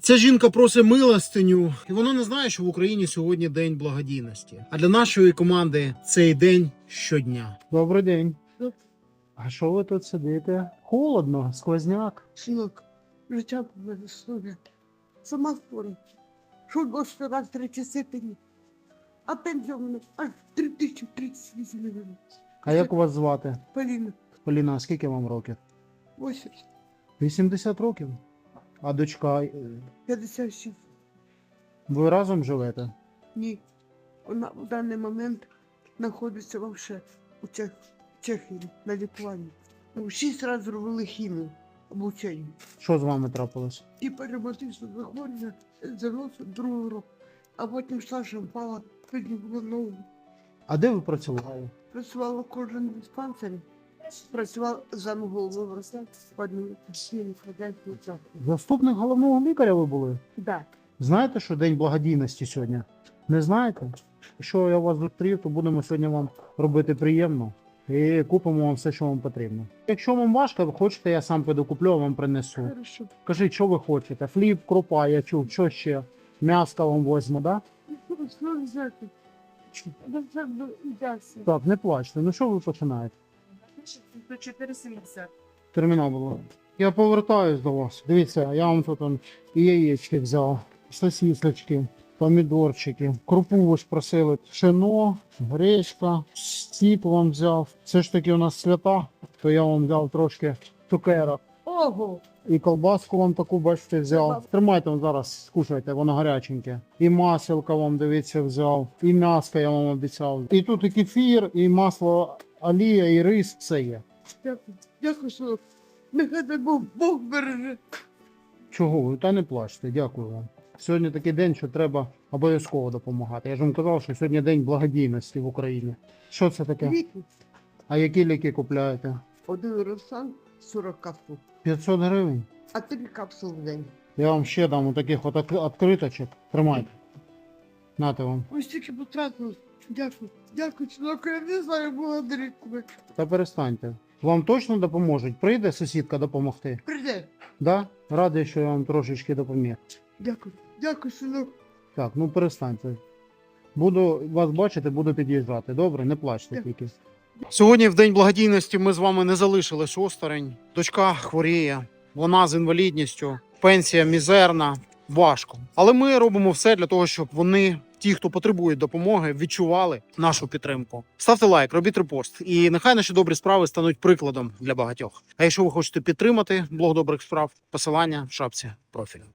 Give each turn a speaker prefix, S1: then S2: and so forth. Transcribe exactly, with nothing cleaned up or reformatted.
S1: Ця жінка просить милостиню, і вона не знає, що в Україні сьогодні день благодійності. А для нашої команди цей день щодня. Добрий день. А що ви тут сидите? Холодно, сквозняк.
S2: Синок, життя слов'я. Сама хвора. Що до раз три часи пені. А пенсія в мене аж три тисячі тридцять вісім гривень.
S1: А як вас звати?
S2: Поліна,
S1: Поліна, а скільки вам років?
S2: вісімдесят,
S1: вісімдесят років. А дочка, е,
S2: п'ятдесят шість.
S1: ви разом живете?
S2: Ні. Вона в даний момент знаходиться вообще у Чех... Чехії на лікуванні. Ну, шість разів зробили хімію, обучення.
S1: Що з вами трапилось?
S2: Типа ревматичне захворювання заносу другого року. А потім Саша впала, піднімала ногу.
S1: А де ви працювали?
S2: Працювала в кожному диспансері. Працювала замголовою врача в одному хазяйстві.
S1: Заступник головного лікаря ви були?
S2: Да.
S1: Знаєте, що день благодійності сьогодні? Не знаєте? Якщо я вас зустрів, то будемо сьогодні вам робити приємно і купимо вам все, що вам потрібно. Якщо вам важко, ви хочете, я сам піду куплю, а вам принесу.
S2: Хорошо.
S1: Кажіть, що ви хочете? Хліб, крупа, я чув, що ще? М'яско вам возьму, да?
S2: Що взяти? Да це взяти.
S1: Так, не плачте. Ну що ви починаєте?
S2: До чотири сімдесят.
S1: Термінал було. Я повертаюсь до вас. Дивіться, я вам тут он, і яєчки взяв, сосисочки, помідорчики, крупу ви ж просили, пшено, гречка, стіп вам взяв. Все ж таки у нас свята, то я вам взяв трошки цукерок.
S2: Ого!
S1: І колбаску вам таку, бачите, взяв. Тримайте вам зараз, скушайте, воно гаряченьке. І маселка вам, дивіться, взяв, і м'яско я вам обіцяв. І тут і кефір, і масло олія, і рис, все є.
S2: Дякую. Дякую, що нехай дай Бог, Бог береже.
S1: Чого ви? Та не плачте, дякую вам. Сьогодні такий день, що треба обов'язково допомагати. Я ж вам казав, що сьогодні день благодійності в Україні. Що це таке?
S2: Ліки.
S1: А які ліки купляєте?
S2: Один росан сорок капсул,
S1: п'ятсот гривень.
S2: а три капсули в день.
S1: Я вам ще дам таких от відкриточок. Тримайте. Нате вам.
S2: Ось тільки потратили. Дякую. Дякую, чоловіку. Я не знаю, благодарить тебе.
S1: Та перестаньте. Вам точно допоможуть? Прийде сусідка допомогти?
S2: Прийде.
S1: Да? Радий, що я вам трошечки допоміг.
S2: Дякую. Дякую, синок.
S1: Так, ну перестаньте. Буду вас бачити, буду під'їжджати. Добре, не плачте
S2: Дякую.
S1: тільки. Сьогодні в День благодійності ми з вами не залишились осторонь. Дочка хворіє, вона з інвалідністю, пенсія мізерна, важко. Але ми робимо все для того, щоб вони, ті, хто потребує допомоги, відчували нашу підтримку. Ставте лайк, робіть репост, і нехай наші добрі справи стануть прикладом для багатьох. А якщо ви хочете підтримати блог добрих справ, посилання в шапці профілю.